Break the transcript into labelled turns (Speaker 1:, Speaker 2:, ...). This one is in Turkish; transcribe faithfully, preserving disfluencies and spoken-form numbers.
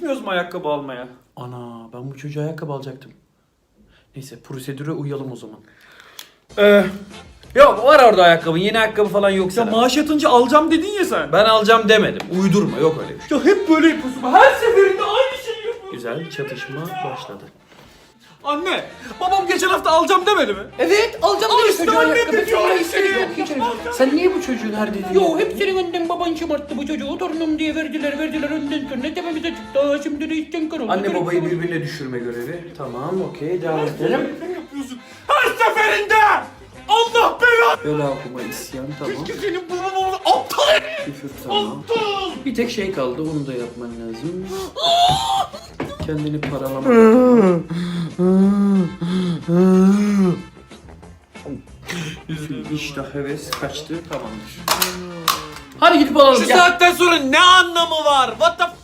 Speaker 1: Gitmiyoruz mu ayakkabı almaya?
Speaker 2: Ana ben bu çocuğa ayakkabı alacaktım. Neyse prosedüre uyalım o zaman.
Speaker 1: Ee, yok var orada ayakkabın. Yeni ayakkabı falan yok
Speaker 2: Ya
Speaker 1: sana.
Speaker 2: maaş yatınca alacağım dedin ya sen.
Speaker 1: Ben alacağım demedim. Uydurma, yok öyle bir şey.
Speaker 2: Ya hep böyle yapıyorsun. Her seferinde aynı şeyi yapıyorsun.
Speaker 1: Güzel çatışma başladı.
Speaker 2: Anne, babam geçen hafta alacağım demedi mi?
Speaker 3: Evet alacağım
Speaker 2: Al
Speaker 3: dedi
Speaker 2: işte
Speaker 3: çocuğa
Speaker 2: anne
Speaker 3: ayakkabı.
Speaker 2: de diyor
Speaker 3: Sonra
Speaker 2: işte.
Speaker 3: istedi. Yok hiç öyle.
Speaker 2: Sen niye bu çocuğun her dediğini
Speaker 3: Yo hep senin önden baban şımarttı bu çocuğu. Torunum diye verdiler verdiler önden sonra tepemize çıktı. Aa, şimdi de işten kar oldu.
Speaker 1: Anne babayı birbirine düşürme görevi. Tamam, okey, devam edelim.
Speaker 2: Ne yapıyorsun? Her seferinde! Allah belanı!
Speaker 1: Böyle okuma isyan, tamam.
Speaker 2: Keşke senin baban oldu. Aptal herif!
Speaker 1: Küfür, tamam. Bir tek şey kaldı, onu da yapman lazım. Kendini paralama. İştah, heves kaçtı, tamamdır. Hadi gidip alalım.
Speaker 2: Şu
Speaker 1: gel.
Speaker 2: saatten sonra ne anlamı var? What the